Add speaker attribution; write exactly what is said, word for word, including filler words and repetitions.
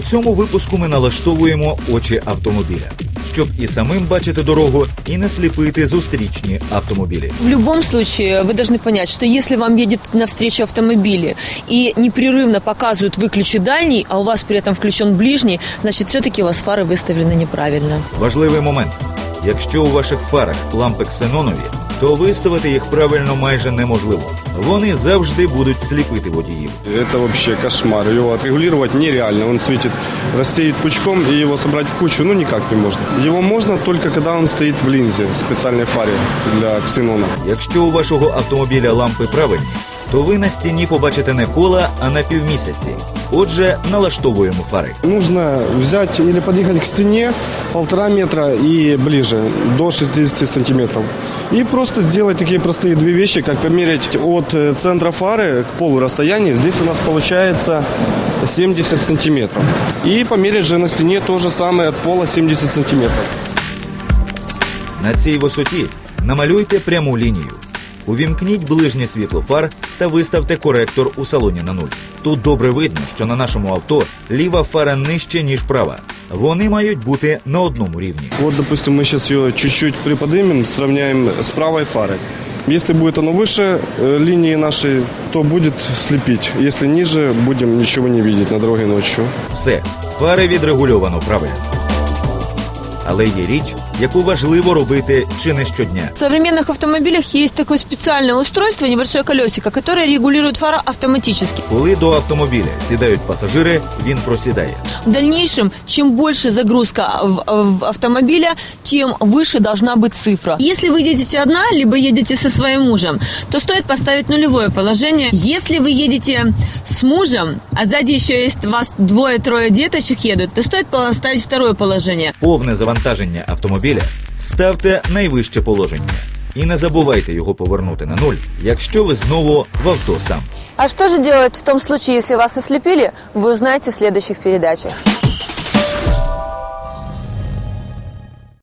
Speaker 1: цьому випуску ми налаштовуємо очі автомобіля, щоб і самим бачити дорогу, і не сліпити зустрічні автомобілі.
Speaker 2: В любом случае, вы должны понять, что если вам едет навстречу автомобили и непрерывно показывают «выключи дальний», а у вас при этом включен ближний, значит, все-таки у вас фары выставлены неправильно.
Speaker 1: Важливий момент. Якщо у ваших фарах лампи ксенонові, то виставити їх правильно майже неможливо. Вони завжди будуть сліпити водіїв.
Speaker 3: Это вообще кошмар. Его отрегулировать нереально. Он светит, рассеет пучком, и его собрать в кучу ну никак не можно. Его можно только когда он стоит в линзе, в специальной фаре для ксенона.
Speaker 1: Якщо у вашого автомобіля лампи правильні, то ви на стіні побачите не кола, а на півмісяці. Отже, налаштовуємо фари.
Speaker 3: Нужно взять или подъехать к стене полтора метра и ближе, до шестидесяти сантиметров. И просто сделать такие простые две вещи, как померить от центра фары к полу расстояние. Здесь у нас получается семьдесят сантиметров. И померить же на стене то же самое от пола семьдесят сантиметров.
Speaker 1: На цій висоті намалюйте пряму лінію. Увімкніть ближнє світло фар та виставте коректор у салоні на нуль. Тут добре видно, що на нашому авто ліва фара нижче, ніж права. Вони мають бути на одному рівні.
Speaker 3: Вот, допустим, мы сейчас ее чуть-чуть приподнимем, сравняем с правой фарой. Если будет оно выше э, линии нашей, то будет слепить. Если ниже, будем ничего не видеть на дороге ночью.
Speaker 1: Все, фари відрегульовано правильно. Але є річ, яку важливо робити чи не щодня.
Speaker 2: В современных автомобилях есть такое специальное устройство, небольшое колесико, которое регулирует фары автоматически.
Speaker 1: Коли до автомобіля сідають пасажири, він просідає.
Speaker 2: В дальнейшем, чем больше загрузка в, в автомобиля, тем выше должна быть цифра. Если вы едете одна, либо едете со своим мужем, то стоит поставить нулевое положение. Если вы едете с мужем, а сзади еще есть у вас двое-трое деточек едут, то стоит поставить второе положение.
Speaker 1: Повне завантаження автомобіля ставте найвище положення. І не забувайте його повернути на нуль, якщо ви знову в авто сам.
Speaker 2: А что же делать в том случае, если вас ослепили, вы узнаете в следующих передачах.